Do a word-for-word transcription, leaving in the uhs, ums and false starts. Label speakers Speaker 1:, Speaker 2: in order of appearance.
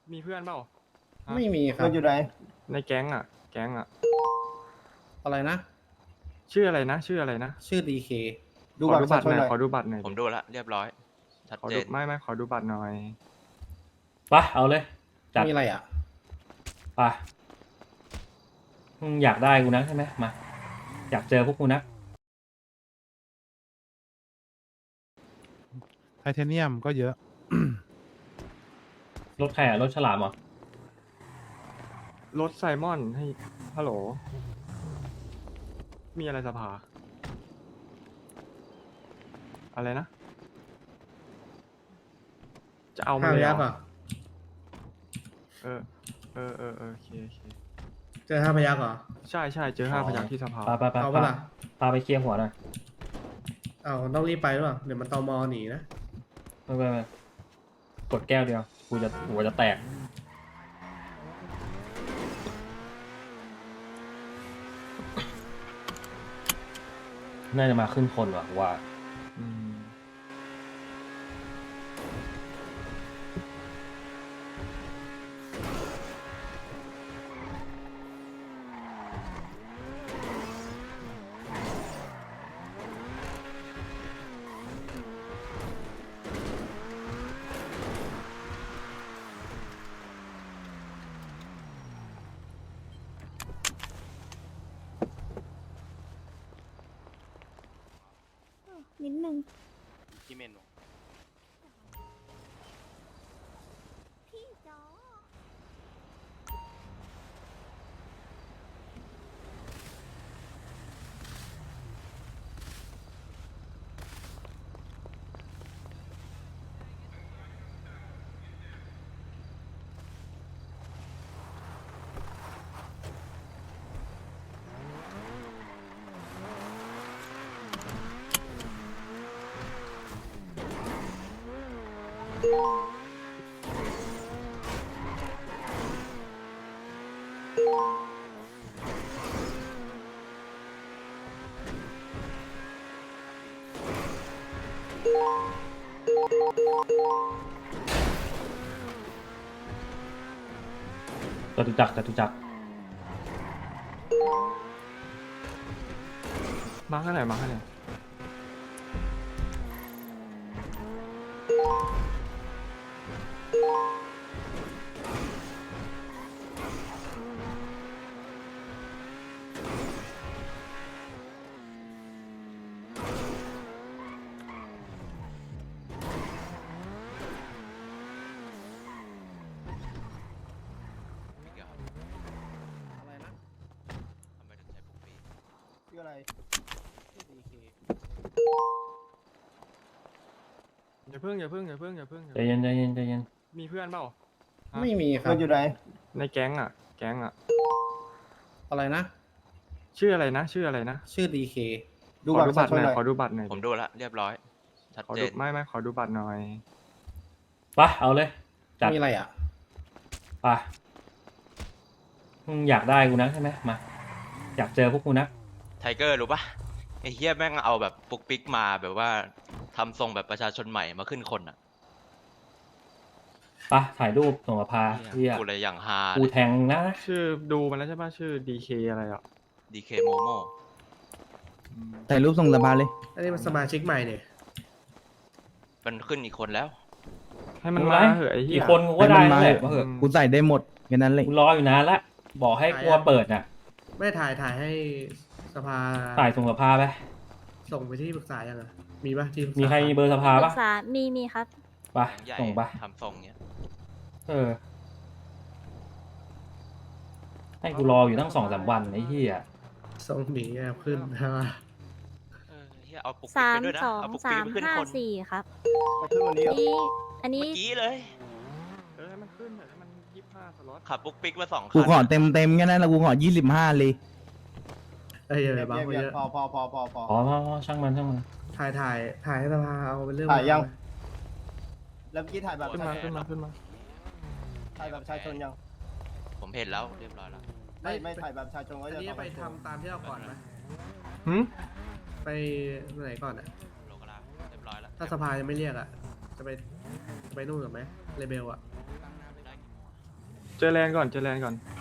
Speaker 1: มีเพื่อนเปล่าฮะ
Speaker 2: ไม่มีครั
Speaker 3: มั
Speaker 2: บ
Speaker 3: นอยู่ไหน
Speaker 1: ในแก๊งอ่ะ แก๊งอ่ะ
Speaker 2: อะไรนะ
Speaker 1: ชื่ออะไรนะ ชื่ออะไรนะ
Speaker 2: ชื่อดีเค
Speaker 3: ดู
Speaker 1: ขอ
Speaker 3: บัตร
Speaker 1: ดู
Speaker 3: ประ
Speaker 1: บั
Speaker 3: ชา
Speaker 1: ตร
Speaker 3: ช
Speaker 1: ห
Speaker 3: น
Speaker 1: น่อย
Speaker 3: หน่อย
Speaker 1: ขอดูบัตรหน่อย
Speaker 4: ผม
Speaker 1: ดิ
Speaker 4: ดูแล้วเรียบร้อยชัด
Speaker 1: ขอ
Speaker 4: เจ
Speaker 1: ดู
Speaker 4: น
Speaker 1: ไม่ไม่ขอดูบัตรหน่อย
Speaker 5: ไปเอาเลยจัด
Speaker 2: มีอะไรอ่ะ
Speaker 5: ไปมึงอยากได้กูนะใช่ไหมมาอยากเจอพวกกูนะ
Speaker 6: ไทเทเนียมก็เยอะ
Speaker 5: รถใครอ่ะรถฉลามเหรอ
Speaker 1: รถไซมอนให้ ฮัลโหล มีอะไรสภา อะไรนะ จะเอามา
Speaker 7: ห้า
Speaker 1: เลย
Speaker 7: พยัก
Speaker 1: เหร
Speaker 7: อ่ะ
Speaker 1: อเออ เออเออเออโอเคโอเค
Speaker 7: เจอห้าพยักเหรอ
Speaker 1: ใช่ใช่เจอห้าพยัคฆ์ที่สภา
Speaker 5: ไปไปไป
Speaker 7: เอา
Speaker 5: พา
Speaker 7: ปะล่ะ
Speaker 5: พาไปเคลียร์หัวหน่อย
Speaker 7: เอาต้องรีบไปหรือเปล่าเดี๋ยวมันตมหนีนะ
Speaker 5: ไม่ไม่ไม่กดแก้วเดียวกูจะหัวจะแตกน่าจะมาขึ้นคนว่ะว่า
Speaker 1: อืม
Speaker 8: นิดนึง
Speaker 4: ที่เมนู
Speaker 8: พี่จอ
Speaker 5: จตุจักรจตุจักร
Speaker 1: มาข้างไหนมาข้างไหน
Speaker 4: ไม่เกี่ยวครับ
Speaker 2: อะไรนะ
Speaker 4: ทำไมถึงใช้ปุ๊กปี
Speaker 3: ชื่ออะไร
Speaker 2: ชื่อดีเค
Speaker 1: อย่าเพิ่งอย่าเพิ่งอย่าเพิ่งอย่าเพิ่งอย่า
Speaker 5: ใจ
Speaker 1: เพิ่ง
Speaker 5: เย็นใจเย็นใจเย็น
Speaker 1: มีเพื่อนเปล่าฮะ
Speaker 2: ไม่มีครั
Speaker 3: มั
Speaker 2: บ
Speaker 3: นอยู่ไหน
Speaker 1: ในแก๊งอ่ะ แก๊งอ่ะ
Speaker 2: อะไรนะ
Speaker 1: ชื่ออะไรนะ ชื่ออะไรนะ
Speaker 2: ชื่อดีเค
Speaker 3: ดู
Speaker 1: ขอ
Speaker 3: บัตร
Speaker 1: ดู
Speaker 3: ประ
Speaker 1: บั
Speaker 3: ชา
Speaker 1: ตร
Speaker 3: ชน
Speaker 1: หน่อย
Speaker 3: หน่อย
Speaker 1: ขอดูบัตรหน่อย
Speaker 4: ผม
Speaker 1: ดิ
Speaker 4: ดูแล้วเรียบร้อยชัด
Speaker 1: ขอ
Speaker 4: เจ
Speaker 1: ดู
Speaker 4: น
Speaker 1: ไม่ไม่ขอดูบัตรหน่อย
Speaker 5: ไปเอาเลยจัด
Speaker 2: มีอะไรอ่ะ
Speaker 5: ไปมึงอยากได้กูนะใช่ไหมมาอยากเจอพวกกูนะ
Speaker 4: ไทเกอร์รู้ปะไอ้เฮียแม่งเอาแบบปุ๊กปิ๊กมาแบบว่าทำทรงแบบประชาชนใหม่มาขึ้นคนอ่ะ
Speaker 5: ไปถ่ายรูปส่งมาพาเฮีย
Speaker 4: กูเลยอย่างฮา
Speaker 5: กูแทงนะ
Speaker 1: ชื่อดูมันแล้วใช่ป่ะชื่อ ดี เค อะไรอ่ะ
Speaker 4: ดีเคโมโม
Speaker 1: อืม
Speaker 9: ถ่ายรูปส่งสภาเลย
Speaker 7: อันนี้มันสมาชิกใหม่เนี่ย
Speaker 4: มันขึ้นอีกคนแล้ว
Speaker 1: ให้มัน
Speaker 5: มึง
Speaker 1: มา
Speaker 5: ไล่
Speaker 1: เหอะไอ้เหี้
Speaker 5: กี่
Speaker 1: ย
Speaker 5: คนกูก็ได้
Speaker 9: ให้มันมา
Speaker 5: แหละมาเหอะ
Speaker 9: กูใส่ได้หมดแค่นั้นเลย
Speaker 5: กูรออยู่นานละบอกให้กลัวเปิดน่ะ
Speaker 7: ไม่ถ่ายถ่ายให้สภา
Speaker 5: ถ่ายส่งสภาไป
Speaker 7: ส่งไปที่ปรึกษายังอ่ะมีปะที่ปกษา
Speaker 5: มีใครมีเบอร์สภา
Speaker 8: ปรึ
Speaker 5: ปะ
Speaker 8: กษามีมีครับ
Speaker 5: ไป
Speaker 4: ใหญ่
Speaker 5: ส่งไป
Speaker 4: ทำทรงเนี้ย
Speaker 5: เออให้กูรออยู่ตั้งสองสามวันไอ้เหี้ย
Speaker 7: ส่งหนีแอบขึ้นใช่ปะ
Speaker 4: เออเฮียเอาปุ๊ก
Speaker 8: สา
Speaker 4: ปิ๊ก
Speaker 8: ม
Speaker 4: ไปด้วยนะ
Speaker 8: สอง
Speaker 4: เอาปุ๊ก
Speaker 8: สา
Speaker 4: ปิ๊ก
Speaker 8: ม
Speaker 4: ไปขึ้น
Speaker 8: ห้า
Speaker 4: คน
Speaker 8: สี่ครับ
Speaker 3: มาขึ้นวันนี้เหรอ
Speaker 8: นี่อันนี้
Speaker 4: เมื่อกี้เลย
Speaker 1: เออให้มันขึ้นเถอะให้มันยี่สิบห้าสล็อต
Speaker 4: ขับปุ๊กปิ๊กมาสองคั
Speaker 9: กู
Speaker 4: น
Speaker 9: ขอเต็มเต็มๆแค่นั้นแล้วกูขอยี่สิบห้าเลย
Speaker 7: เอ้ยอย่า
Speaker 3: เบีย
Speaker 7: ไป
Speaker 3: ด
Speaker 7: บัง
Speaker 3: เบียด
Speaker 7: เย
Speaker 3: เบียด
Speaker 7: อะ
Speaker 3: พอพอพอพอพอ
Speaker 5: อ๋ออ๋อช่างมันช่างมัน
Speaker 7: ถ่ายถ่ายถ่ายให้สภาเอาเป็นเรื่อง
Speaker 3: ถ่ายยัง
Speaker 7: ไหม
Speaker 3: แล้วเมื่อกี้ถ่ายแบบ
Speaker 1: ขึ้นมาขึ้นมาขึ้นมา
Speaker 3: ถ่ายแบบประชาชนยัง
Speaker 4: ผมเห็นแล้วเรียบร้อยแล้ว
Speaker 3: ไม่ไม่ถ่ายแบบประชาชนก็
Speaker 7: อัน
Speaker 3: จะ
Speaker 7: นี้
Speaker 3: ต้อง
Speaker 7: ไปทำตามที่เราก่อนไหม
Speaker 1: หืม
Speaker 7: ไปไหนก่อนอ่ะ
Speaker 4: โลกราเรียบร้อยแล้ว
Speaker 7: ถ้าสภายังไม่เรียกอ่ะ จะไปจะไปนู่นกับไหมเรเบลอ่ะ
Speaker 4: ได้กี่โมงอะ
Speaker 1: เจอแลนด์ก่อนเจอแลนด์ก่อน